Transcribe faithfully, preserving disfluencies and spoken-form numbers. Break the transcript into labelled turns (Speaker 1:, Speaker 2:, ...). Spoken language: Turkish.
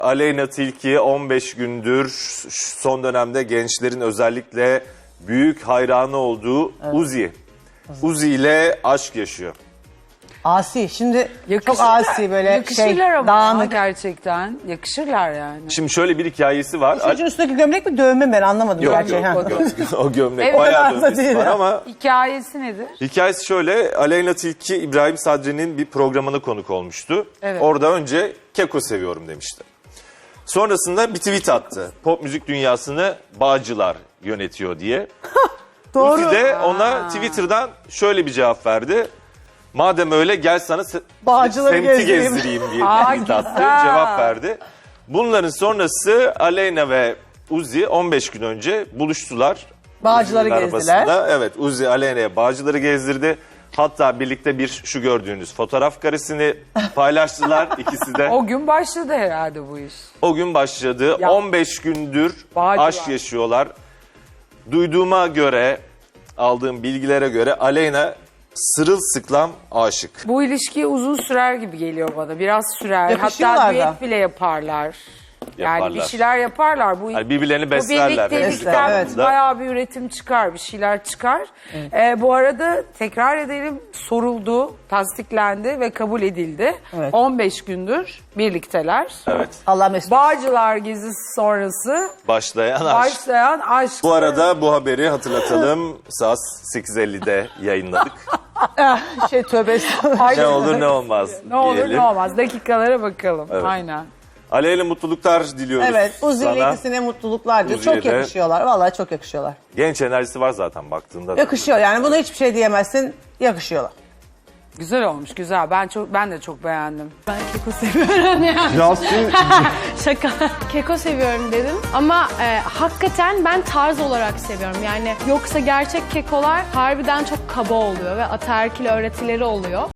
Speaker 1: Aleyna Tilki on beş gündür son dönemde gençlerin özellikle büyük hayranı olduğu evet. Uzi. Uzi ile aşk yaşıyor.
Speaker 2: Asi. Şimdi
Speaker 3: Yakışır,
Speaker 2: çok asi böyle
Speaker 3: yakışırlar
Speaker 2: şey
Speaker 3: ama
Speaker 2: dağınık.
Speaker 3: gerçekten. Yakışırlar yani.
Speaker 1: Şimdi şöyle bir hikayesi var.
Speaker 2: Çocuğun üstündeki gömlek mi dövme mi ben anlamadım.
Speaker 1: Yok
Speaker 2: gerçi.
Speaker 1: yok,
Speaker 2: Ha.
Speaker 1: gö- o gömlek
Speaker 3: Evet,
Speaker 1: bayağı
Speaker 2: o kadar da
Speaker 1: dövmesi
Speaker 2: değil
Speaker 1: var
Speaker 2: ya.
Speaker 1: ama
Speaker 3: Hikayesi nedir?
Speaker 1: hikayesi şöyle. Aleyna Tilki İbrahim Sadri'nin bir programına konuk olmuştu.
Speaker 3: Evet.
Speaker 1: Orada önce Keko seviyorum demişti. Sonrasında bir tweet attı. Pop müzik dünyasını Bağcılar yönetiyor diye.
Speaker 2: Doğru.
Speaker 1: Uzi de ona Twitter'dan şöyle bir cevap verdi. Madem öyle gel sana se-
Speaker 2: Bağcıları
Speaker 1: semti
Speaker 2: gezdireyim.
Speaker 1: gezdireyim diye
Speaker 3: Aa,
Speaker 1: tweet attı.
Speaker 3: güzel.
Speaker 1: Cevap verdi. Bunların sonrası Aleyna ve Uzi on beş gün önce buluştular.
Speaker 2: Bağcıları
Speaker 1: Uzi'nin
Speaker 2: gezdiler.
Speaker 1: arabasında. Evet, Uzi Aleyna'ya Bağcıları gezdirdi. Hatta birlikte bir şu gördüğünüz fotoğraf karesini paylaştılar ikisi de.
Speaker 3: O gün başladı herhalde bu iş.
Speaker 1: O gün başladı.
Speaker 3: Ya.
Speaker 1: on beş gündür
Speaker 3: Bağcılar.
Speaker 1: aşk yaşıyorlar. Duyduğuma göre, aldığım bilgilere göre Aleyna sırılsıklam aşık.
Speaker 3: Bu ilişki uzun sürer gibi geliyor bana. Biraz sürer.
Speaker 2: Yakışıyorlar
Speaker 3: Hatta
Speaker 2: da.
Speaker 3: düet bile yaparlar. Yani
Speaker 1: Yaparlar.
Speaker 3: bir şeyler yaparlar. Bu,
Speaker 1: Yani birbirlerini
Speaker 3: bu
Speaker 1: beslerler.
Speaker 3: birliktelikten
Speaker 2: Evet.
Speaker 3: bayağı bir üretim çıkar, bir şeyler çıkar. Ee, bu arada tekrar edelim, soruldu, tasdiklendi ve kabul edildi.
Speaker 2: Evet.
Speaker 3: on beş gündür birlikteler.
Speaker 1: Evet.
Speaker 2: Allah mesut.
Speaker 3: Bağcılar gezisi sonrası
Speaker 1: Başlayan aşk.
Speaker 3: başlayan aşk.
Speaker 1: Bu arada bu haberi hatırlatalım. Saat sekiz ellide yayınladık.
Speaker 2: şey tövbe estağfurullah.
Speaker 3: Ay,
Speaker 1: Ne olur ne olmaz
Speaker 3: ne olur
Speaker 1: diyelim.
Speaker 3: ne olmaz. Dakikalara bakalım.
Speaker 1: Evet.
Speaker 3: Aynen.
Speaker 1: Aleyna mutluluklar diliyoruz
Speaker 2: Evet, Uzi ile
Speaker 1: sana.
Speaker 2: ikisine mutluluklar diyor.
Speaker 1: Uzi'ye
Speaker 2: Çok
Speaker 1: de.
Speaker 2: yakışıyorlar. Vallahi çok yakışıyorlar.
Speaker 1: Genç enerjisi var zaten baktığında. da.
Speaker 2: Yakışıyor yani buna hiçbir şey diyemezsin. Yakışıyorlar.
Speaker 3: Güzel olmuş, güzel. Ben çok ben de çok beğendim.
Speaker 4: Ben keko seviyorum yani.
Speaker 5: Yasin
Speaker 4: Şaka. Keko seviyorum dedim ama e, hakikaten ben tarz olarak seviyorum. Yani yoksa gerçek kekolar harbiden çok kaba oluyor ve ataerkil öğretileri oluyor.